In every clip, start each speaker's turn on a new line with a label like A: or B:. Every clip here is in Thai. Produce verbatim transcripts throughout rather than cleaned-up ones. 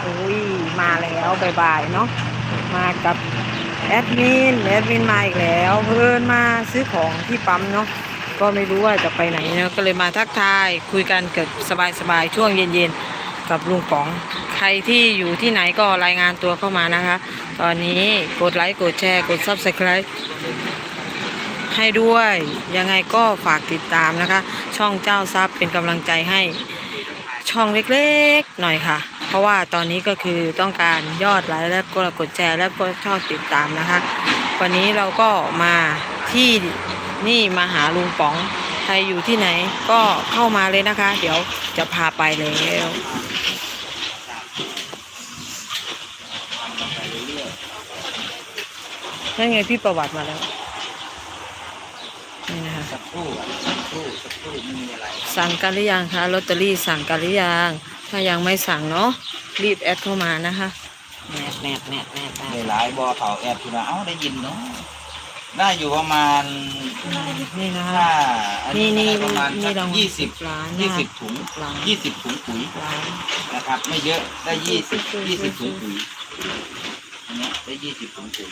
A: อุ้ยมาแล้วบ่ายๆเนาะมากับแอดมินแอดมินมาอีกแล้วเพิ่นมาซื้อของที่ปั๊มเนาะก็ไม่รู้ว่าจะไปไหนเนาะก็เลยมาทักทายคุยกันเกิดสบายๆช่วงเย็นๆกับลุงป๋องใครที่อยู่ที่ไหนก็รายงานตัวเข้ามานะคะตอนนี้กดไลค์กดแชร์กด ซับสไครบ์ ให้ด้วยยังไงก็ฝากติดตามนะคะช่องเจ้าทรัพย์เป็นกำลังใจให้ช่องเล็กๆหน่อยค่ะเพราะว่าตอนนี้ก็คือต้องการยอดไลค์และกดกดแชร์และก็ชอบติดตามนะคะวันนี้เราก็มาที่นี่มาหาลุงป๋องใครอยู่ที่ไหนก็เข้ามาเลยนะคะเดี๋ยวจะพาไปแล้วนั่นไงพี่ประวัติมาแล้วนี่นะคะ
B: สักครู่สักครู่สักครู่ไม่มีอะไร
A: สั่งกันหรือยังคะลอตเตอรี่สั่งกันหรือยังถ้ายังไม่สั่งเนาะรีบแอดเข้ามานะคะแนบแนบแนบแนบแน
B: ใน
A: บ
B: หลายบอเขาแอบคุณเอ้าได้ยินเนาะได้อยู่ประมาณ
A: นี่นะคะ
B: ถ้าอัน
A: นี่
B: นี้
A: นี่
B: ประมาณ
A: นี่รางวัล
B: ยี่สิบ
A: ล้าน
B: ยี่สิบถุง
A: ล้าน
B: ยี่สิบถุงปุ๋ย
A: ล้าน
B: นะครับ ไม่เยอะได้ยี่สิบยี่สิบถุงปุ๋ยอันนี้ได้ยี่สิบถุงปุ๋ย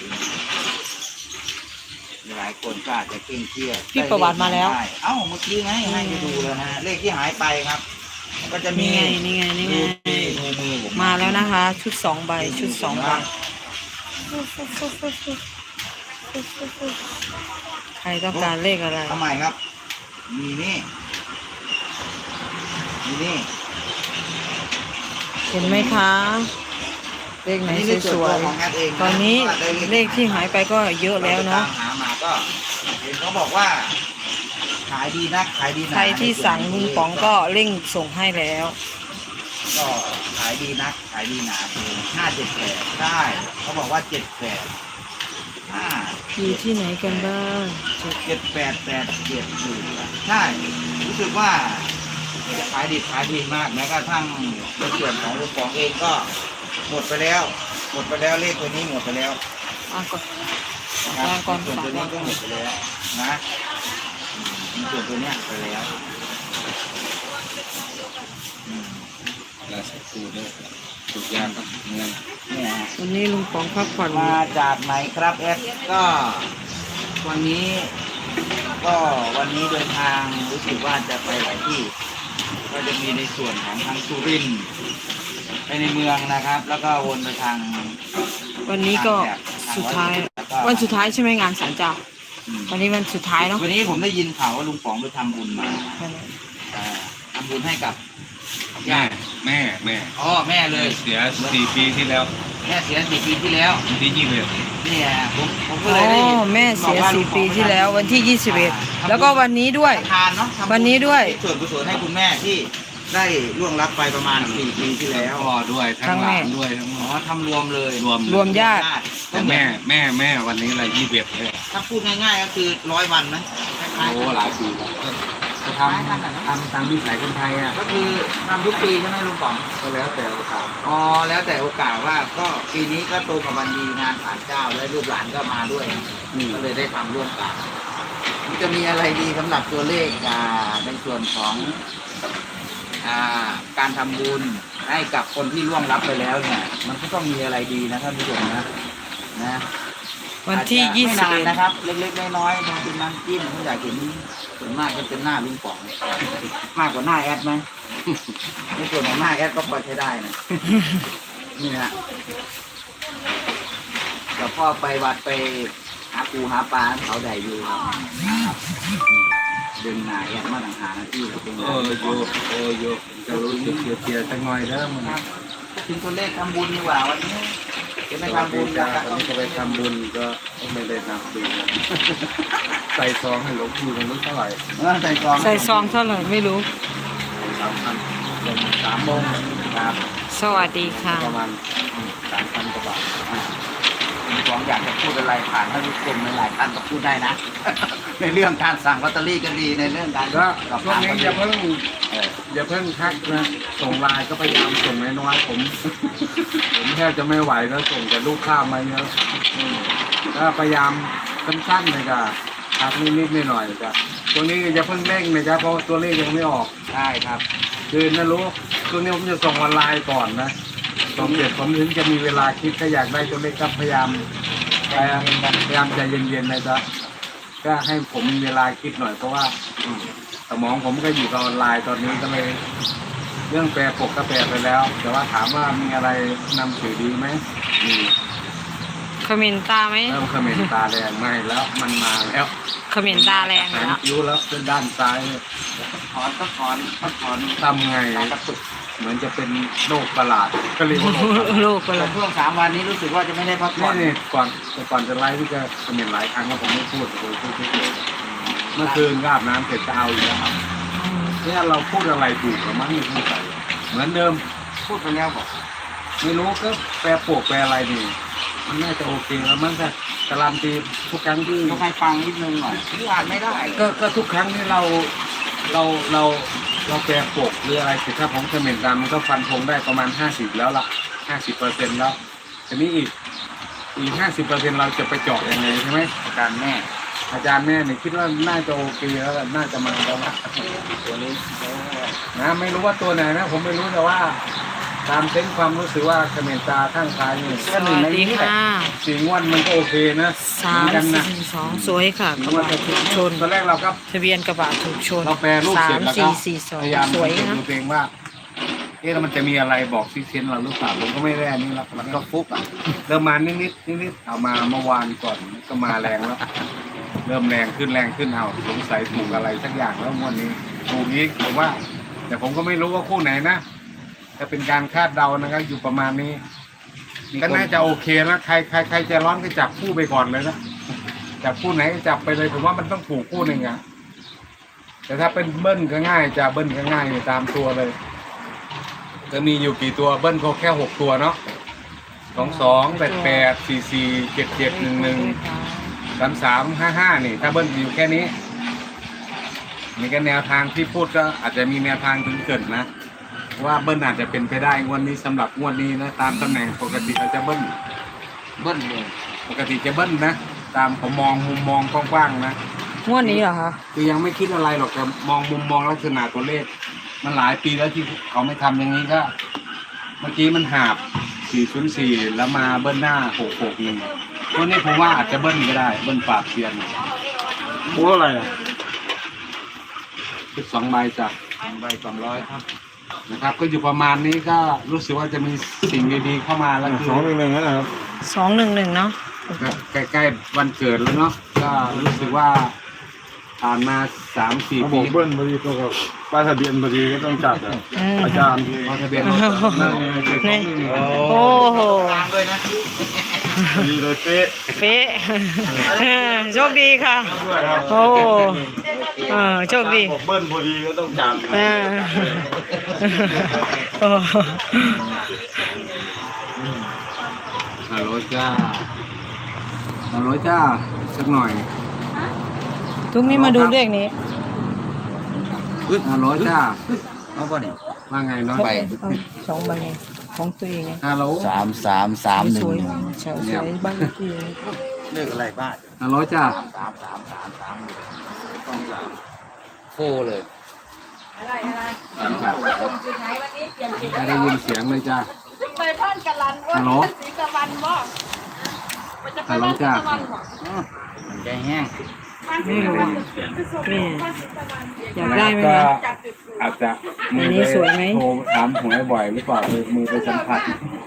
B: หลายคนก็อาจจะเคร่งเครียด
A: พี่ประวัติมาแล้ว
B: เอ้าเมื่อกี้ไงให้ไปดูเลยนะเลขที่หายไปครับ ก็จะมี
A: นี่ไงนี่ไงนี่ไง
B: มือมือผม
A: มาแล้วนะคะ ชุดสองใบชุดสองใบใครต้องการเลขอะไร
B: ทำไมครับ มีนี่ มีนี่
A: เห็นไหมคะเลขไหนสวยๆตอนนี้เลขที่หายไปก็เยอะแล้วเนาะ
B: หามาก็เห็นเขาบอกว่าขายดีนักขายดีหนา
A: ใครที่สั่งลุงป๋องก็เร่งส่งให้แล้ว
B: ก็ขายดีนักขายดีหนาคือห้าเจ็ดแปดได้เขาบอกว่าเจ็ดแปดห้า
A: อยู่ที่ไหนกันบ้าง
B: เจ็ดแปดแปดเจ็ดอยู่ใช่รู้สึกว่าขายดีขายดีมากแม้กระทั่งในส่วนของลูกของเองก็หมดไปแล้ว หมดไปแล้วเลขตัวนี้หมดไปแล้ว
A: อ่ะก่อน
B: นะ
A: วางก่อน
B: ส่วน
A: ฝาก
B: ตัวนี้
A: วาง
B: ก็
A: ก่อน
B: หมดไปแล้วนะมีส่วนตัวเนี้ยไปแล้วอืม
C: ราชกูด้วยทุกอย่างครับเงิน
B: เนี่ยฮะ
A: วันนี้ลุงป๋องพักผ่อน
B: มาจากไหนครับแอดก็วันนี้ ก็วันนี้เดินทางรู้สึกว่าจะไปหลายที่ ก็จะมีในส่วนของทางสุรินทร์ไปในเมืองนะครับ แล้วก็วนไปทาง
A: วันนี้ก็สุดท้าย วันสุดท้ายใช่ไหมงานศาลเจ้า
B: อืม
A: วันนี้วันสุดท้ายเนาะ
B: วันนี้ผมได้ยินข่าวว่าลุงป๋องไปทำบุญมาเอ่อทำบุญให้กับ
C: แม่แม่แม่
B: อ๋อแม่เลย
C: เสียสี่ปีที่แล้ว
B: แม่เสียสี่ปีที่แล้ว
C: ที่ยี่สิบเอ็ด
B: เนี่ยผมผมก็
A: อ๋
B: เลยได้
A: อแม่เสียสี่ปีที่แล้ววันที่ยี่สิบเอ็ดแล้วก็วันนี้ด้วย
B: ทานเนาะทำบุญ
A: วันนี้ด้วย
B: ส่วนกุศลให้คุณแม่ที่ได้ล่วงลับไปประมาณสี่ปีที่แล้ว
C: พ่อด้วยทั้งหลานด้วยทั้งหม
B: อ๋อ
C: ด
B: ทำรวมเลย
C: รวม
A: รวมญาติ
C: แต่แม่แม่แม่วันนี้อะไรยี่สิบเอ็ดเลย
B: ถ้าพูดง่ายๆก็คือร้อยวันไหมคล้าย
C: โอ้
B: ๆกัน
C: หลายปีแล้วก็จะทำทำตามวิสัยคนไทยอ่ะ
B: ก็คือทำทุกปีใช่ไหมลุงป๋อง
C: ก็แล้วแต่โอกาส
B: อ๋อแล้วแต่โอกาสว่าก็ปีนี้ก็ตรงกับวันดีงานศาลเจ้าและลูกหลานก็มาด้วย ก็เลยได้ทำร่วมกันมันจะมีอะไรดีสำหรับตัวเลขอ่าในส่วนของอ่าการทำบุญให้กับคนที่ล่วงลับไปแล้วเนี่ย มันก็ต้องมีอะไรดีนะท่านผู้ชมนะนะ
A: วันที่
B: อาจจะ
A: ยี่สิบ
B: ไม่
A: เอ็
B: นาน
A: ด
B: นะครับ เล็กๆน้อยๆทำเป็นน้ำจิ้มผมอยากเห็นส่วนมากจะเป็นหน้าลุงป๋องมากกว่าหน้าแอดไหมในส่วนของหน้าแอดก็พอใช้ได้นะนี่นะเดี๋ยวพ่อไปวัดไปหาปูหาปลาเขาใดอยู่ครับดึงหน้าแอดมาต่างหากนะที่เขาเป็น
C: โอ้โยโอ้โยจะรู้สึกเสียๆสักหน่อยแล้วมัน
B: ครับถึงตัวเลขทำบุญดีกว่าวันนี้จะไม่ทำบุญ
C: จ้า
B: นะครับ
C: วันนี้ก็ไปทำบุญก็ไม่ได้ทำบุญใส่ซองให้หลวงปู่มันรู้เท่าไหร่
B: เออใส่ซอง
A: ใส่ซองเท่าไหร่ไม่รู้
C: สามพัน
B: สามโมงครับ
A: สวัสดีค่ะ
C: ประมาณสามพันกว่าบาท
B: ลุงป๋องอยากจะพูดอะไรผ่านท่านผู้ชมหลายๆท่านก็พูดได้นะ ในเรื่องการสั่งลอตเตอรี่ก็ดีในเรื่องการ
C: ก็
B: กับ
C: ช่วงนี้อย่าเพิ่ง
B: เออ
C: อย่าเพิ่งทักนะส่งไลน์ก็พยายามส่งน้อยๆผม ผมแทบจะไม่ไหวแล้วส่งแต่ลูกค้ามาเยอะอืมก็พยายามสั้นๆเลยจ้ะทักนิดๆหน่อยๆจ้ะช่วงนี้อย่าเพิ่งเร่งนะจ๊ะเพราะตัวเลขยังไม่ออก
B: ได้ครับ
C: คือนะรู้ช่วงนี้ผมจะส่งออนไลน์ก่อนนะส่งเสร็จผมถึงจะมีเวลาคิดถ้าอยากได้ตัวเลขก็พยายามพยายามพยายามใจเย็นๆนะจ๊ะก็ให้ผมมีเวลาคิดหน่อยเพราะว่าอืมสมองผมก็อยู่กับออนไลน์ตอนนี้ก็เลย เรื่องแปรปกก็แปรไปแล้ว แต่ว่าถามว่ามีอะไรนำสื่อดีไหมมี
A: เขมินตาไหม
C: เริ่มเขมรตาแดงไม่แล้วมันมาแล้ว
A: เขมินตาแรง
C: แขน
A: แล้ว
C: คิ้วแล้วเป็นด้านซ้าย
B: ถอนก็ถอนก็ถอน
C: ทำไง
B: ตากระตุก
C: เหมือนจะเป็นโรคประหลาดก็เรียกว่าโรคประหลาด
A: ลูกไปเล
B: แต่
A: ย
B: ช่วงสามวันนี้รู้สึกว่าจะไม่ได้พักผ่อน
C: นี่นี่ก่อนแต่ก่อนจะไลฟ์พี่จะเขมรหลายครั้งแล้วผมไม่พูดผมพูดเฉยๆเมื่อคืนก็อาบน้ำเสร็จจะเอาอีกแล้วครับเนี่ยเราพูดอะไรถูกหรือมั้งไม่เข้าใจเหมือนเดิม
B: พูดไปแล้วบอก
C: ไม่รู้ก็แปรปวกแปรอะไรนี่มันน่าจะโอเคแล้วมันจะการันตีทุกครั้งที่
B: ต้องให้ฟังนิดนึงหน่อยที่อ่านไม่ได้
C: ก็ก็ทุกครั้งที่เราเราเราเราแปรปวกหรืออะไรสิถ้าผมเขม่นตามมันก็ฟันธงได้ประมาณห้าสิบแล้วล่ะห้าสิบเปอร์เซ็นต์แล้วทีนี้อีกอีกห้าสิบเปอร์เซ็นต์เราจะไปเจาะยังไงใช่ไหม
B: อาจารย์แม่
C: อาจารย์แม่เนี่ยคิดว่าน่าจะโอเคแล้วล่ะน่าจะมาแล้วล่ะ
B: ตัวนี้
C: นะไม่รู้ว่าตัวไหนนะผมไม่รู้แต่ว่าตามเส้นความรู้สึกว่าเขม่นตาข้างซ้ายนี่
A: สวัสดีค่ะ
C: สีงวดมันก็โอเคนะ
A: สาม
C: เหอนกัน
A: สี่
C: นะ
A: สองสวยค่ะกระบะถูกชน
C: ตอนแรกเราก็
A: ทะเบียนกระบะถูกชน
C: เราแปลรูป
A: สา
C: เสร็
A: ม
C: จแล้วก็
A: สี่สี่สอง
C: พยายาม
A: สวย
C: ดู
A: นะ
C: ตัวเองว่า เอ๊ะแล้วมันจะมีอะไรบอกซิเซนเราหรือเปล่าผมก็ไม่แน่นี่หรอก
B: มันก็ฟุกอ่ะ
C: เริ่มมานิดนิดนิดนิดๆเอามาเมื่อวานก่อนก็มาแรงแล้ว เริ่มแรงขึ้นแรงขึ้นเอาสงสัยถูกอะไรสักอย่างแล้วงวันนี้ถูกอีกผมว่า แต่ผมก็ไม่รู้ว่าคู่ไหนนะจะเป็นการคาดเดานะครับอยู่ประมาณนี้ ก็น่าจะโอเคนะใครใครใครจะร้อนก็จับคู่ไปก่อนเลยนะจับคู่ไหนก็จับไปเลยผมว่ามันต้องถูกคู่หนึ่งอะแต่ถ้าเป็นเบิ้ลก็ง่ายจะเบิ้ลก็ง่ายตามตัวเลยจะมีอยู่กี่ตัวเบิ้ลก็แค่หกตัวเนาะสองสองแปดแปดสี่สี่เจ็ดเจ็ดหนึ่งหนึ่งสามสามห้าห้านี่ ถ้าเบิ้ลอยู่แค่นี้นี่ก็แนวทางที่พูดก็อาจจะมีแนวทางถึงเกิดนะว่าเบิ้ลอาจจะเป็นไปได้งวดนี้สำหรับงวดนี้นะตามตำแหน่งปกติเราจะเบิ้ล
B: เบิ้ลเลย
C: ปกติจะเบิ้ลนะตามผมมองมุมมองกว้างๆนะ
A: งวดนี้เหรอคะ
C: คือยังไม่คิดอะไรหรอกแต่มองมุมมองลักษณะตัวเลข มันหลายปีแล้วที่เขาไม่ทำอย่างนี้ก็ เมื่อกี้มันหาบสี่ศูนย์สี่แล้วมาเบิ้ลหน้าหกหกหนึ่งวันนี้ผมว่าอาจจะเบิ้ลก็ได้เบิ้ลปราบเซียน
D: โอ้อะไรอ่ะ
C: คือสองใบจ้ะ
B: ใบสองร้อยครับ
C: นะครับ ก็อยู่ประมาณนี้ก็รู้สึกว่าจะมีสิ่งดีๆเข้ามาแล้วคือ
D: สองหนึ่งหนึ่งนะครับ
A: สองหนึ่งหนึ่งเนาะ
C: ใกล้ๆวันเกิดแล้วเนาะก็รู้สึกว่าผ่านมาสามสี่
D: เขาบ
C: ปี
D: อกเบิ้ลพอดีตัวกับป้ายทะเบียนพอดีก็ต้องจัดอ่ะ
A: อืม
D: อาจารย์
C: พอทะเบียนรถนั่นไงคือของนี่
A: โอ้โห
B: ตามด้วยนะ
D: พอดีเลยเป๊ะ
A: เป๊ะ โชคดีค่ะ
D: ด้วยครับ
A: โอ้เออโชคดี
D: บอกเบิ้ลพอดีก็ต้องจัด
A: เออโอ้
C: ฮัลโหลจ้าฮัลโหลจ้าสักหน่อย
A: ทุกนี้มาดูเลขนี้
C: ฮัลโหลจ้า
B: เอาป่ะเนี่ย
C: ว่าไงเนาะ
B: ไป
A: เอาสองใบไงของตัวเองไง
C: ฮัลโหล
B: สามสามสามหนึ่
A: ส
B: ง
A: วย
B: หนึ่ง
A: สวยสวยบ้านเลขที่
B: เลือกอะไรบ้าง
C: ฮัลโหลจ้า
B: สามสามสามสามหนึ่งต้องสามโฟเลย
C: ครับไม่ได้ยินเสียงเลยจ้า
E: ไปพ่อนกะลันว่า
C: ฮัลโหล
E: สีกะวันบ่มันจะไป
C: ฮัลโหล
E: บ้าน
C: จ้า
E: กะวันบ่
B: มันใจแห้ง
A: ไม่รู้นี่อยากได้ไหม
C: ก็
A: คะ
C: อาจจะมื
A: อัน
C: อ
A: นี้
C: ไป
A: สวยไหม
C: โทรถามหวยบ่อยหรือเปล่าเลยมือไปสัมผัส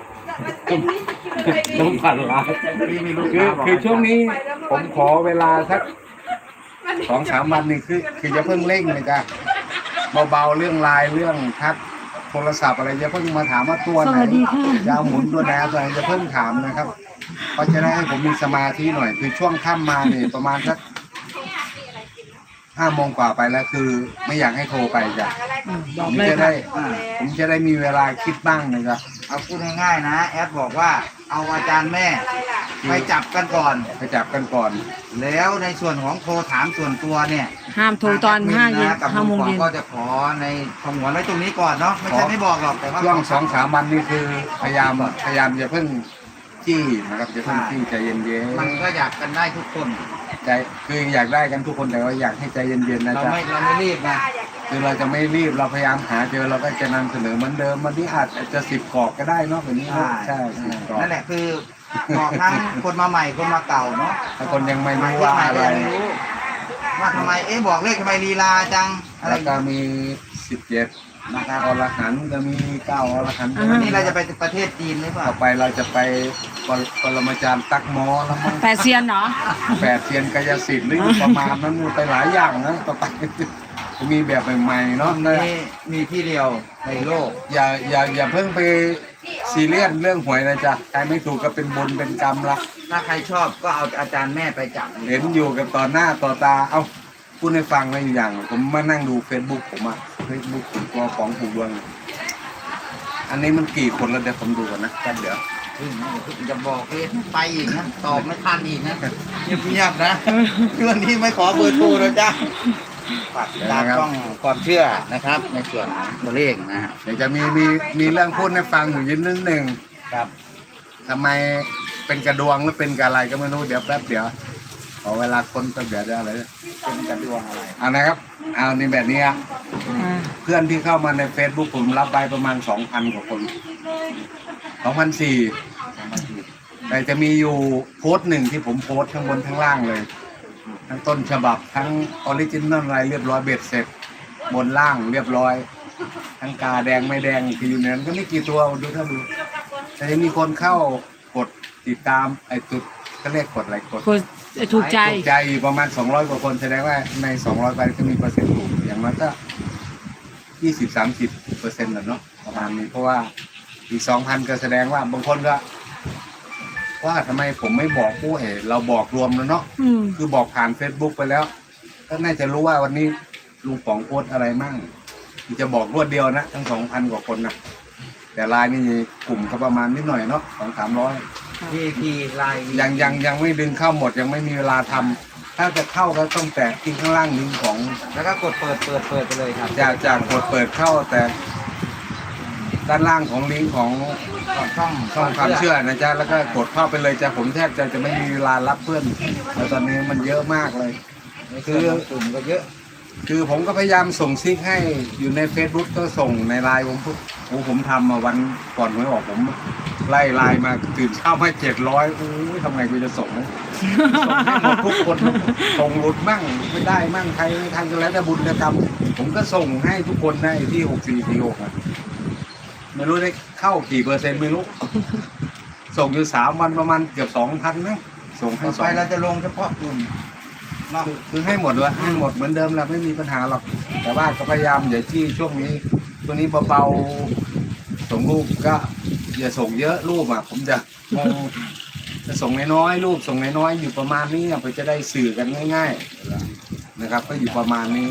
C: ต้องผ่านร้าน
B: พี่ไม่รู้
C: คือ
B: บอก
C: คือช่วงนี้ผมขอเวลาสักสองสามวันนี่คือคือจะเพิ่งเร่งเลยจ้ะเบาๆเรื่องไลน์เรื่องทักโทรศัพท์อะไรจะเพิ่งมาถามว่าตัวไหนยาวหมุนตัวไหนตัวไหนจะเพิ่งถามนะครับเพราะจะได้ให้ผมมีสมาธิหน่อย คือช่วงค่ำมาเนี่ยประมาณสักห้าโมงกว่าไปแล้วคือ ไม่อยากให้โทรไปจ้ะ
A: อืมบ
C: ผ
A: อก
C: ม
A: เลย
C: จะ
A: ค่ะ
C: ได้ผมจะได้มีเวลาคิดบ้างนะครับ
B: เอาพูดง่ายๆนะ แอดบอกว่าเอาอาจารย์แม่ไปจับกันก่อน
C: ไปจับกันก่อน
B: แล้วในส่วนของโทรถามส่วนตัวเนี่ย
A: ห้ามโทรตอนห้าเย็น
B: กับ
A: ห้าโมง
B: ลุ
A: เย็น
B: ก็จะขอในสงวนไว้ตรงนี้ก่อนเนาะไม่ใช่ไม่บอกหรอกแต่ว่า
C: ช่วงสองสามวันนี้คือพยายามพยายามจะเพิ่งจี้นะครับจะเพิ่งจี้ใจเย็น
B: มันก็อยากกันได้ทุกคน
C: ๆใจใจคืออยากได้กันทุกคนแต่ว่าอยากให้ใจเย็นๆนะ
B: เรา
C: จ๊ะ
B: ไม่เราไม่รีบนะ
C: คือเราจะไม่รีบเราพยายามหาเจอเราก็จะนำเสนอเหมือนเดิมวันนี้อาจจะสิบกรอบก็ได้เนาะแบบนี้เนอะใช่สิบกรอบ
B: นั่นแหละคือเหมาะทั้งคนมาใหม่คนมาเก่าเนาะ
C: ถ้าคนยังไม่รู้ว่าอะไร
B: ว่าทำไมเอ๊ะบอกเลขทำไมลีลาจังอะไร
C: แล้วก็มีสิบเจ็ดนะครับอรหันต์จะมีเก้าอรหันต์
B: วันนี้เราจะไปประเทศจีนหรือเปล่า
C: ต่อไปเราจะไปปรปรมาจารย์ตักหมอแล้วมั้ง
A: แปดเซียนเนาะ
C: แปดเซียนกายสิทธิ์หรืออยู่ประมาณนั้นไปหลายอย่างนะต่อไปจะมีแบบใหม่ๆเนาะ
B: มีมีที่เดียวในโลก
C: อย่าอย่าอย่าเพิ่งไปซีเรียสเรื่องหวยนะจ๊ะใครไม่ถูกก็เป็นบุญเป็นกรรมละ
B: ถ้าใครชอบก็เอาอาจารย์แม่ไปจับ
C: เห็นอยู่กับต่อหน้าต่อตาเอ้าพูดให้ฟังเลยอย่าง ผมมานั่งดูเฟซบุ๊กผมอะเฟซบุ๊กผมตัวของผูกดวงอันนี้มันกี่คนแล้วเดี๋ยวผมดูก่อนนะแป๊บเดี๋ยว
B: จะบอกเลยไปอีกนะตอบไม่ทันอีกนะเงียบๆนะเรื่องนี้ไม่ขอเบอร์โทรนะจ๊ะฝากติดตามช่องความเชื่อนะครับ ในส่วนของตัวเลขนะฮะ
C: เดี๋ยวจะมีมีมีเรื่องพูดให้ฟังอยู่ยินนิดหนึ่ง
B: ครับ
C: ทำไมเป็นกระดวงหรือเป็นกระอะไรก็ไม่รู้เดี๋ยวแป๊บเดี๋ยวขอเวลาคนแป๊บเดี๋ยวได้อะไร
B: เป็นกระดวงอะไร
C: เอานะครับเอาในแบบนี้อะเพื่อนที่เข้ามาใน Facebook ผมรับไปประมาณสองพันกว่าคนสองพันสี่แต่จะมีอยู่โพสต์หนึ่งที่ผมโพสต์ทั้งบนทั้งล่างเลย ทั้งต้นฉบับทั้งออริจินอลอะไรเรียบร้อยเบ็ดเสร็จบนล่างเรียบร้อย ทั้งกาแดงไม่แดงคืออยู่ในนั้นก็ไม่กี่ตัวดูถ้าดูแต่ยังมีคนเข้ากดติดตามไอ้จุดก็เรียกกดอะไรกด
A: คนถูกใจ
C: ถูกใจอยู่ประมาณสองร้อยกว่าคนแสดงว่าในสองร้อยใบก็มีเปอร์เซ็นต์ถูกอย่างน้อยก็ยี่สิบสามสิบเปอร์เซ็นต์แหละเนาะประมาณนี้เพราะว่าอีกสองพันก็แสดงว่าบางคนก็ว่าทำไมผมไม่บอกผู้เอ๋เราบอกรวมแล้วเนาะ
A: อืม
C: คือบอกผ่าน Facebook ไปแล้ว ก็น่าจะรู้ว่าวันนี้ลุงป๋องโพสต์อะไรมั่งจะบอกรวดเดียวนะทั้งสองพันกว่าคนนะแต่ไลน์นี่กลุ่มก็ประมาณนิดหน่อยเนาะสองสามร้อย
B: พีพีไลน์
C: ยังยังยังไม่ดึงเข้าหมดยังไม่มีเวลาทำถ้าจะเข้าก็ต้องแตะที่ข้างล่างลิงก์ของ
B: แล้วก็กดเปิดเปิดเปิดไปเลยครับ
C: จากจากกดเปิดเข้าแต่ด้านล่างของลิงก์ของ
B: ช่อง
C: ช่องความเชื่อนะจ๊ะแล้วก็กดเข้าไปเลยจ้ะผมแทบจะจะไม่มีเวลารับเพื่อนแล้วตอนนี้มันเยอะมากเลย
B: คือกลุ่มก็เยอะ
C: คือผมก็พยายามส่งซิกให้อยู่ใน Facebook ก็ส่งในไลน์ผมพูดโอ้ผมทำมาวันก่อนหวยออกผมไล่ไลน์มาตื่นเช้ามาเจ็ดร้อยโอ้ยทำไงกูจะส่งนะส่งให้หมดทุกคนส่งหลุดมั่งไม่ได้มั่งใครทางกันแล้วแต่บุญกระทำผมก็ส่งให้ทุกคนได้ที่หกสี่สี่หกอะไม่รู้ได้เข้ากี่เปอร์เซ็นต์ไม่รู้ ส่งอยู่สามวันประมาณเกือบสองพันนะส่งให้
B: ต่อ
C: สอ
B: ไป
C: ง
B: เราจะลงเฉพาะกลุ่มเนาะ
C: คือคือให้หมดเลยให้หมดเหมือนเดิมแหละไม่มีปัญหาหรอกแต่ว่าก็พยายามอย่าที่ช่วงนี้ช่วงนี้เบาๆส่งรูปก็อย่าส่งเยอะรูปอ่ะ ผมจะมองจะส่งน้อยๆรูปส่งน้อยๆอยู่ประมาณนี้อ่ะเพื่อจะได้สื่อกันง่ายๆนะครับ ก็อยู่ประมาณนี้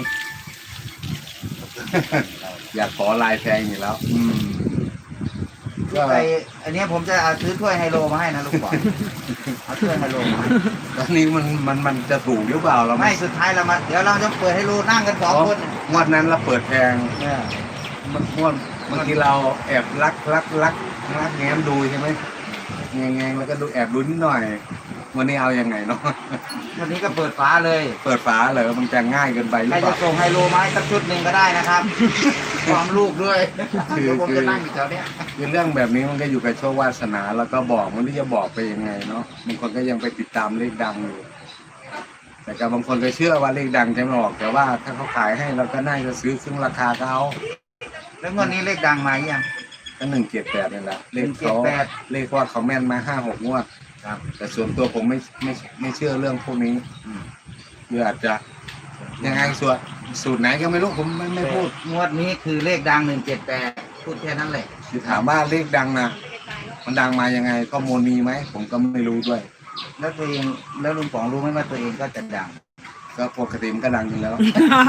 C: อยากขอลายแทงอยู่แล้ว อืมก็
B: ไปอันนี้ผมจะเอาซื้อถ้วยไฮโลมาให้นะลูกบอลเอาถ้วยไฮโลมาให้
C: ตอนนี้มันมันมันจะถูกหรือเปล่าเรา
B: ไม่สุดท้ายเรามาเดี๋ยวเราจะเปิดไฮโลนั่งกันสองคน
C: งวดนั้นเราเปิดแพง
B: เนี่ย
C: มันงวดบางทีเราแอบลักลักลักลักแง้มดูใช่ไหมแงงแงงแล้วก็ดูแอบดูนิดหน่อย วันนี้เอายังไงเนาะ
B: วันนี้ก็เปิดฝาเลย
C: เปิดฝาเลยมันจะง่ายเกินไปหรื
B: ใคร
C: อเป
B: จะ
C: ล่า
B: ส่งไฮโลมาให้สักชุดหนึ่งก็ได้นะครับ พร้อมลูกด้วย
C: คือ
B: เดี๋ยวผม
C: คือ
B: จะนั่งอยู่แถวเนี้ย
C: คือเรื่องแบบนี้มันก็อยู่กับโชควาสนาแล้วก็บอกมันที่จะบอกไปยังไงเนาะบางคนก็ยังไปติดตามเลขดังอยู่ แต่กับบางคนก็เชื่อว่าเลขดังจะไม่ออกแต่ว่าถ้าเขาขายให้เราก็น่าจะซื้อซึ่งราคาเขา
B: แล้วงวดนี้เลขดังมายัง
C: ก็หนึ่งเกียรแปดนี่แหละเลขเขา
B: หนึ่งเจ็ดแปด
C: เลขว่าเขาแม่นมาห้าหกงวด
B: ครับ
C: แต่ส่วนตัวผมไม่ไม่ไม่เชื่อเรื่องพวกนี้คืออาจจะยังไงส่วนสูตรไหนก็ไม่รู้ผมไม่ไม่พูด
B: งวดนี้คือเลขดังหนึ่งเจ็ดแปดพูดแค่นั้นแหละ
C: คือถามว่าเลขดังนะมันดังมายังไงข้อมูลมีไหมผมก็ไม่รู้ด้วย
B: แล้วตัวเองแล้วลุงป๋องรู้ไหมว่าตัวเองก็จะดัง
C: ก็ปกติมันก็ดังอยู่แล้ว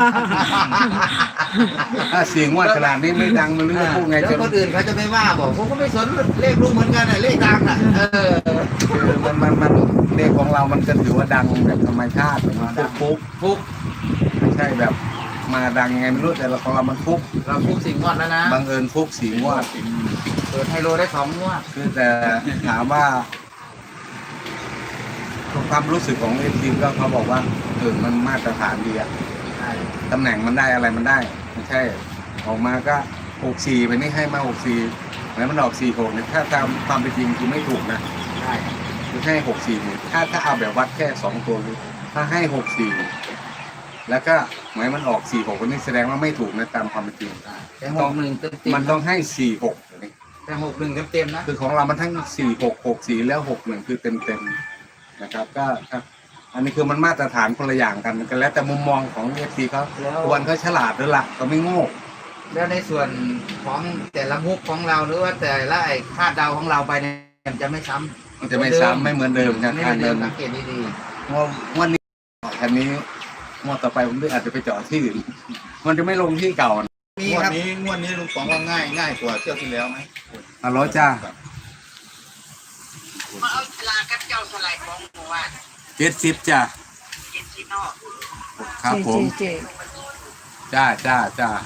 C: ถ้าเสียงว่าขนาดนี้ไม่ดังมันเรื่องพูดไง
B: แล้ว
C: จะ
B: คนอื่นเขาจะไม่ว่าบอกผมก็ไม่สนเลขลุงเหมือนกันน่ะเลขดังอ่ะเออ
C: คือมันมันมันเลขของเรามันก็ถือว่าดังแบบธรรมชาติมันฟุกฟุก
B: ฟุก
C: ไม่ใช่แบบมาดังไงไม่รู้แต่เราของเรามันฟุก
B: เราฟุกสิ่งงวดแล้วนะ
C: บังเอิญฟุกสีงวด
B: เปิดไฮโลได้สองงวด
C: คือแต่ถามว่าความรู้สึกของเอฟซีก็เขาบอกว่าเออมันมาตรฐานดีอะตำแหน่งมันได้อะไรมันได้ไม่ใช่ออกมาก็หกสี่ไปนี่ให้มาหกสี่แล้วมันออกสี่หกเนี่ยถ้าตามความเป็นจริงคือไม่ถูกนะ
B: ใช่
C: คือให้หกสี่เนี่ยถ้าถ้าเอาแบบวัดแค่สองตัวคือถ้าให้หกสี่แล้วก็หมายมันออกสี่หกวันนี้แสดงว่าไม่ถูกนะตามความเป็นจริง
B: แต่หกหนึ่งเต็มเต็ม
C: มันต้องให้สี่หก
B: แต่หกหนึ่งเต็มเต็มนะ
C: คือของเรามันทั้งสี่หกหกสี่แล้วหกหนึ่งคือเต็มเต็มๆนะครับก็ครับอันนี้คือมันมาตรฐานคนละอย่างกันกันแล้วแต่มุมมองของเอฟซีเขาควรเขาฉลาดด้วยล่ะก็ไม่โง่
B: แล้วในส่วนของแต่ละมุกของเราหรือว่าแต่ละไอ้คาดเดาของเราไปเนี่ยมันจะไม่ซ้ำ
C: มันจะไม่ซ้ำไม่เหมือนเดิมครับ
B: ไม่เห
C: ทา
B: มื
C: ง
B: อนเดิ
C: เดิ
B: ม
C: ม
B: สังเกตดี
C: งวดงวดนี้คันนี้งวดต่อไปผมอาจจะไปจอดที่อื่นมันจะไม่ลงที่เก่า
B: ๆมี
D: งว
B: ค
D: ด
B: รับ
D: นี้งวดนี้ลุงป๋องว่าง่ายง่ายกว่าเที่ยวที่แล้วไหม
C: ฮัลโหลจ้า
F: มาเอาลากับเจ้าสลายของหมู่บ้าน
C: เจ็ดสิบจ้า
F: เจ็ดสิบนอก
C: ครับผม
A: เจเจ
C: จ้าจ้าจ้า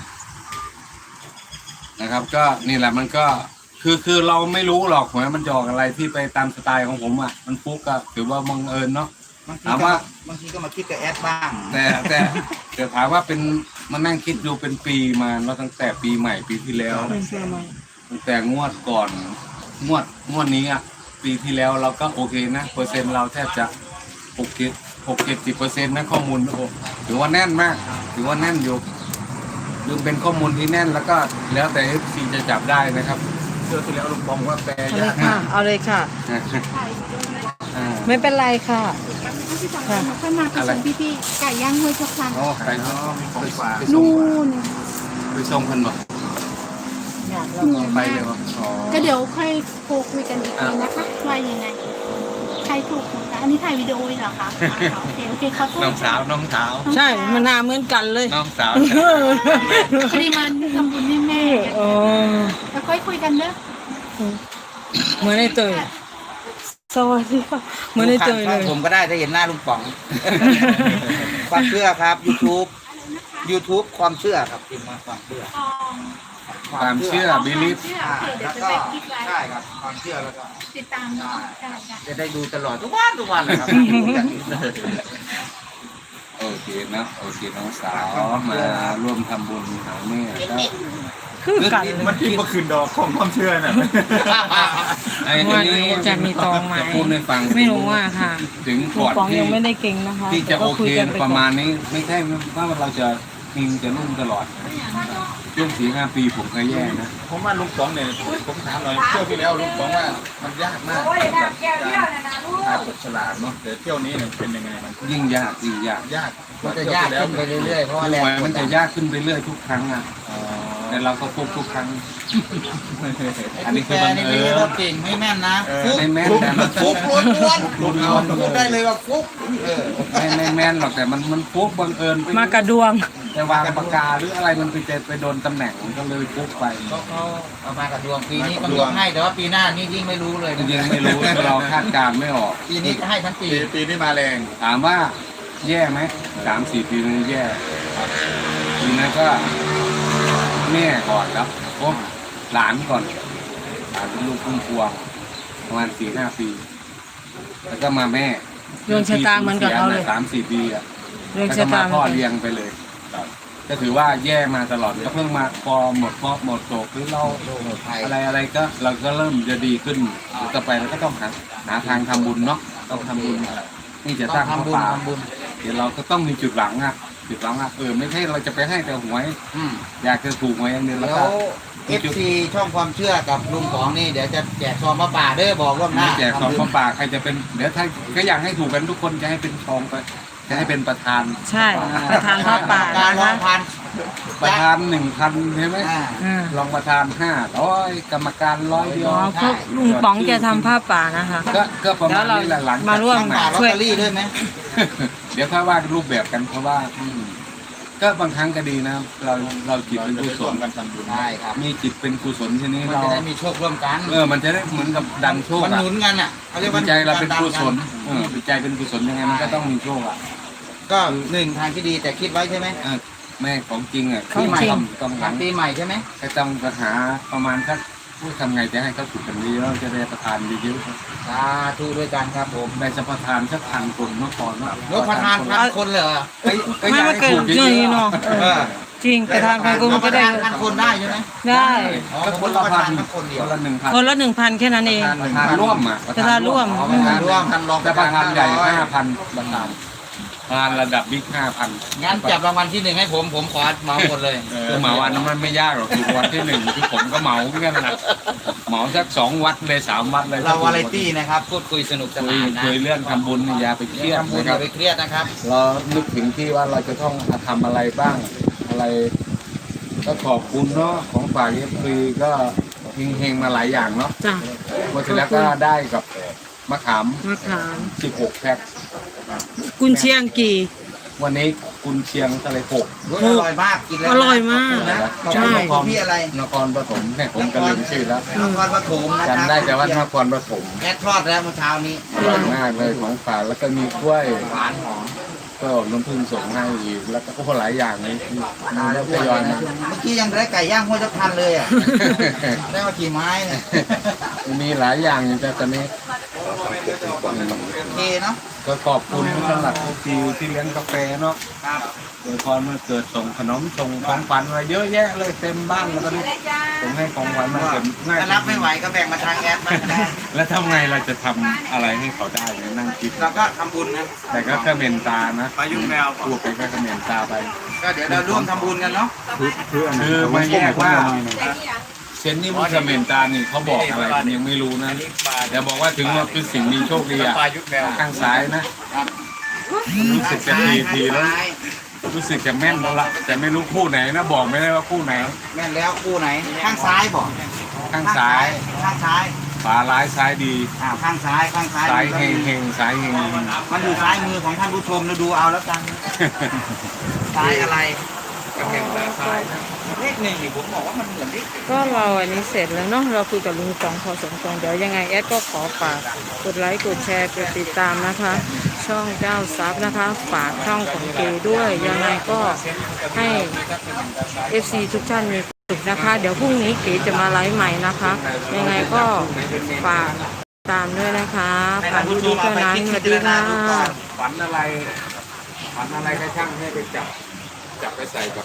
C: นะครับ ก็นี่แหละมันก็คือคือเราไม่รู้หรอกหวยมันจะออกอะไรที่ไปตามสไตล์ของผมอ่ะมันฟุกก็ถือว่าบังเอิญเนาะ
B: บางที
C: ถาม
B: ก็
C: ว่า
B: บางทีก็มาคิดกับแอดบ้าง
C: แต่แต่แต่ถามว่าเป็นมานั่งคิดดูเป็นปีมาแล้วตั้งแต่ปีใหม่ปีที่แล้ว
A: เป็นเสื้อไหม
C: ตั้งแต่งวดก่อนงวดงวดนี้อ่ะปีที่แล้วเราก็โอเคนะเปอร์เซ็นต์เราแทบจะหกเจ็ดหกเจ็ดสิบเปอร์เซ็นต์นะข้อมูลโอ้ถือว่าแน่นมากถือว่าแน่นอยู่ดูเป็นข้อมูลที่แน่นแล้วก็แล้วแต่เอฟซีจะจับได้นะครับ
D: เที่ยวที่แล้วลุงป๋องว่าแปล
A: เอาเลย
D: ยาก
A: ค่ะ เอาเลยค่ะ
C: อ่า
A: ไม่เป็นไรค่ะ
E: ที่สองคนค่อยมาผสมพี่ๆไก่ย่างห้วยทุกครั้ง
C: โอ้ไปเนาะ
D: ของฝาก
E: นู่น
C: ไปส่งกันบ่
E: เหนื่อย
C: ไป
E: มาก
C: เลยบ่อ๋อ
E: ก็เดี๋ยวค่อยโทรคุยกันอีกทีนะคะว่ายังไง ใครถูกนะคะอันนี้ถ่ายวิดีโอเลยเหรอคะอ่าโอเคโอเคขอโทษ
C: น้องสาวน้องสาว
A: ใช่มันหนาเหมือนกันเลย
C: น้องสาว
E: พอดีมาทำบุญให้แม่
A: โอ้
E: แล้วค่อยคุยกันเด้อ
A: เหมือนไอ้เตยสวัสดีค่ะเหมือนไอ้เตยเลย
B: ผมก็ได้ถ้าเห็นหน้าลุงป๋อง ความเชื่อครับ YouTube YouTube ความเชื่อครับพิมพ์มาความเชื่อ
C: ความเชื่อบิลิฟ
E: เชื่อ
B: อ่า
E: โอเคเดี๋ย
B: แล้ว ว
E: จะ
B: ก็
E: ไปคลิปไว้
B: ใช่ครับความเชื่อแล้วก็
E: ติดตามเนาะได้ได้
B: จะได้ดูตลอดทุกวันทุกวันเลยครับดูอย่างนี้เลย
C: โอเคนะโอเคน้องสาวมาร่วมทำบุญหาแม่ก็
A: คือกัน
D: มันที่เมื่อคืนดอกของความเชื่อน่ะ
C: ไอ้ตัวนี้
A: จะมีตองไหม
C: จะพูดให้ฟัง
A: ไม่รู้ว่าค่ะ
C: ถึง
A: ลุ
C: ก่
A: ง
C: อน
A: ป๋อง
C: ที่
A: ยังไม่ได้เก่งนะคะ
C: ที่จะ
A: แต่
C: โอ
A: ก็
C: เค
A: คุยกันไป
C: ป
A: ก่อ
C: ระ
A: น
C: มาณนี้ไม่ใช่ว่าเราจะมีจะรุ่งตลอดช่วงสี่ห้าปีผมเคยแย่นะ
D: ผมว่าลุงป๋องเนี่ยผมถามหน่อยเที่ยวที่แล้วลุงป๋องว่ามันยากมากกับการทายผลฉลาดเนาะแต่เที่ยวนี้เนี่ยเป็นยังไงมัน
C: ยิ่งยากยิ่งยาก
D: ยาก
B: มันจะยากขึ้นไปเรื่อยๆเพราะว่า
C: คือ
B: แรง
C: หวย
B: ก
C: มั
B: ด
C: น
B: ดั
C: จะ
B: น
C: ยากขึ้นไปเรื่อยทุกครั้งอ่ะแต่เราก็ฟุกทุกครั้ง อันนี้คือ
B: แก
C: บัง
B: นี่
C: เอิ
B: ไม่
C: ญ
B: ใช่ว่าเก่งไม่แม่นนะฟุก
C: ไม่แม่นแต่มัน
B: ฟุ
C: ฟุ
B: ก
C: ก
B: ล้วนๆพูดได้เลยว่าฟุกเออ
C: ไม่ไม่แม่นหรอกแต่มันมันฟุกบังเอิญไป
A: มากระดวง
C: แต่วางปากกาหรืออะไรมันไปเจอไปโดนตำแหน่งมันก็เลยฟุกไป
B: เขาเขาเอามากับดวงปีนี้ก็ยกให้แต่ว่าปีหน้านี่ยิ่งไม่รู้เลย
C: จริงๆไม่รู้เราคาดการณ์ไม่ออก
B: ปีนี้ก็ให้ทั้งปี
D: ปีปีนี้มาแรง
C: ถามว่าแย่ไหมสามสี่ปีนี้แย่ครับปีนั้นก็แม่ก่อนครับโอ้หลานก่อนหลานเป็นลูกพุ่มพวงประมาณสี่ห้าปี แล้วก็มาแม่
A: ดวงชะตาเหมือนกับเขาเลย
C: สามสี่ปีอ่ะ
A: เรื่อง
C: แล้ว
A: ชะ
C: ก็
A: ตา
C: มาพ่อเลี้ยงไปเลยครับก็ถือว่าแย่มาตลอดก็เพิ่งมาพอหมดพอหมดโศกหรือเรา
B: ไทย
C: อะไรอะไรก็เราก็เริ่มจะดีขึ้นต่อไปเราก็ต้องหาหาทางทำบุญเนาะต้องทำบุญนี่จะ
B: ต้
C: ส
B: อ
C: ร้าง งพระ
B: ทำบุญ
C: ป่า
B: ทำบุญ
C: เดี๋ยวเราก็ต้องมีจุดหลังอ่ะจุดหลังอ่ะเออไม่ใช่เราจะไปให้แต่หวย
B: อืม
C: อยากจะถูกหวยอย่างเดียวแล้ว
B: แล้
C: ก็
B: วเอฟซีช่องความเชื่อกับลุงของนี่เดี๋ยวจะแจกซองมาป่าเด้อบอกล่วงห
C: ไม่
B: น้า
C: แจกของพระป่าใครจะเป็นเดี๋ยวถ้าก็อยากให้ถูกกันทุกคนจะให้เป็นทองไปจะให้เป็นประธาน
A: ใช่ประธานผ้าป่า
B: การ
A: นะ
B: รอ
A: คะ
B: งพัน
C: ประธานหนึ่งพันใช่ไหม
B: อ่า
A: อ่าร
C: องประธานห้าร้อยกรรมการร้อยเดียว
A: อ๋อพวกลุงป๋องจะทำผ้าป่านะคะ
C: ก็ก็ประมาณ
A: แล้วเรา
C: นี้แหละหลังจก
A: มาร่วม
B: ป่าลอต
A: ช่วย
B: เตอรี่ด้วยไหม
C: เดี๋ยวค่อยว่ารูปแบบกันเพราะว่าอืมก็บางครั้งก็ดีนะเราเราจิต
D: เรา
C: เป็น
D: จะ
C: กุ
D: ไป
C: ศ
D: ร่ว
C: ล
D: มกันทำบุญ
B: ได้ครับ
C: มีจิตเป็นกุศลชนิด
B: มัน
C: เรา
B: จะได้มีโชคร่วมกัน
C: เออมันจะได้เหมือนกับดันโชค
B: มัน
C: อะ
B: หนุนกันอ่ะเขาเรียกว่า
C: จิตใจเราเป็นกุศล
B: ดัน
C: เออจิตใจเป็นกุศลยังไงมันก็ต้องมีโชคอ่ะ
B: ก็หนึ่งทางที่ดีแต่คิดไว้ใช่ไหม
C: เออแม่ของจริงอ่ะ
A: ของจริง
C: ต้องต้องห
B: ทา
C: ลั
B: ง
C: ง
B: ปีใหม่ใช่ไหม
C: ก็ต้องไปหาประมาณสักพูดทำไงจะให้เขาถูกกันเยอะๆจะได้ประทานเยอะ
B: สาธุด้วยกันครับผม
C: ๆได้สัมปทานสักพันคนเมื่อก่อนว่าร
B: ถประธานพันคนเลยเหรอ
C: เอ้ยอ้ย
A: ไม่มาเกิน
C: อย
A: เย
C: ให้
A: อะ
C: ถูก
A: เนาะ
C: ๆ
B: เออ
A: จริงประธานพันคนก็ได้
B: พันคนได้ใช่ไหม
A: ได้
B: อ๋อ
C: ก็
B: ผ
C: ค
B: ม
C: น
B: ป
C: ละ
B: ระ
C: พั
B: ธาน
C: น
B: พันคนเดียว
C: คนละหนึ่งพัน
A: คนละหนึ่งพันแค่นั้นเอง
C: ประธานร่วมอ่ะ
A: ประธานร่วม
B: อ๋อประธานร่วมท่านรอง
C: แต่ประธานใหญ่ห้าพันประธานประธานระดับบิ๊กห้าพัน
B: งั้นจับรางวัลที่หนึ่งให้ผมผมขอเหมาหมดเลย
C: คือเหมาวันนั้นมันไม่ยากหรอกคือวันที่หนึ่งคือผมก็เหมาเหมือนกันนะเหมาสักสองวัดเลยสามวัดเลย
B: เราวาไรตี้นะครับพูดคุยสนุกส
C: คุย
B: นานนะ
C: คุยเรื่องทำบุญนี่อย่าไปเครียด
B: ทำบุญ
C: นะ
B: อ
C: ครั
B: ย่า
C: บ
B: ไปเครียดนะครับ
C: เรานึกถึงที่ว่าเราจะต้องทำอะไรบ้างอะไร ก็ขอบคุณเนาะของฝากเอฟซีก็เฮงๆมาหลายอย่างเนาะ
A: จ้ะ
C: วันที่แล้วก็ได้กับมะขาม
A: มะขาม
C: สิบหกแพ็ค
A: กุนเชียงกี่
C: วันนี้กุนเชียงทะเลหก
B: รสอร่อยมากกินแล้ว
A: อร่อยมาก
B: นะขอบ
A: ใช่
B: คุณของพี่อะไร
C: นครปฐมเนี่ยผมก็ลืมชื่อแล้ว
B: นครปฐมนะครับ
C: จำได้แต่ว่านครปฐม
B: แอดทอดแล้วเมื่อเช้านี้
C: อร่อยมากเลยของฝากแล้วก็มีกล้วย
B: หวานหอม
C: ก็น้ำผึ้งส่งให้อีกแล้วก็หลายอย่างเลยมี
B: มาแล้ว
C: ทยอยมา
B: เมื่อกี้ยังได้ไก่ย่างห้วยทับทันเลยอ่ะ ได้มากี่ไม้เนี่ย
C: มีหลายอย่างอยู่แต่ตอนนี้
B: โอเคเนาะ
C: ก็ขอบคุณสำหรับทีที่เลี้ยงกาแฟเนาะ
B: ครับ
C: โดยพรมาเกิดส่งขนมส่งของขวัญมาเยอะแยะเลยเต็มบ้านแล้วก็นี่ส่งให้ของขวัญมาเต็มง่าย
B: ถ้ารับไม่ไหวก็แบ่งมาทางแอดบ้างก็ได้
C: แล้วทำไงเราจะทำอะไรให้เขาได้เนี่ยนั่งคิด
B: เราก็ทำบุญนะ
C: แต่ก็แค่เมนตานะปยุ่งแมวพูดไปก็แค่เมนตาไป
B: ก็เดี๋ยวเราร่วมทำบุญกันเนาะ
C: คือไม่แยกว่าเซนนี่มุสเมนตานี่เขาบอกอะไรผมยังไม่รู้นะแต่บอกว่าถึงว่าคือสิ่งมีโชคดีอ่ะข้างซ้ายนะรู้สึกจะทีทีแล้วรู้สึกจะแม่นแล้วล่ะแต่ไม่รู้คู่ไหนนะบอกไม่ได้ว่าคู่ไหน
B: แม่นแล้วคู่ไหน ข้างซ้ายบอก
C: ข้างซ้าย
B: ข้างซ้าย
C: ขวาร้ายซ้ายดี
B: อ่าข้างซ้ายข้างซ้าย
C: ซ้ายเฮงเฮงซ้ายเฮง
B: มันอยู่ซ้ายมือของท่านผู้ชมเราดูเอาแล้วกันซ้ายอะไรเลขหนึ่งนี่ผมบอกว่ามันเหมือนเลข
A: ก็เราอันนี้เสร็จแล้วเนาะเราคุยกับลุงสองพอสมควรเดี๋ยวยังไงแอดก็ขอฝากกดไลค์กดแชร์กดติดตามนะคะ ช่องเจ้าซับนะคะ ฝากช่องของเกด้วยยังไงก็ให้ เอฟ ซี ทุกท่านมีความสุขนะคะ เดี๋ยวพรุ่งนี้เก๋จะมาไลฟ์ใหม่นะคะ ยังไงก็ฝากตามด้วยนะคะฝากดีๆเท่านั้นสวัสดีค่ะ
C: ฝันอะไรฝันอะไรก็ช่างให้ไปจับจับไปใส่กับ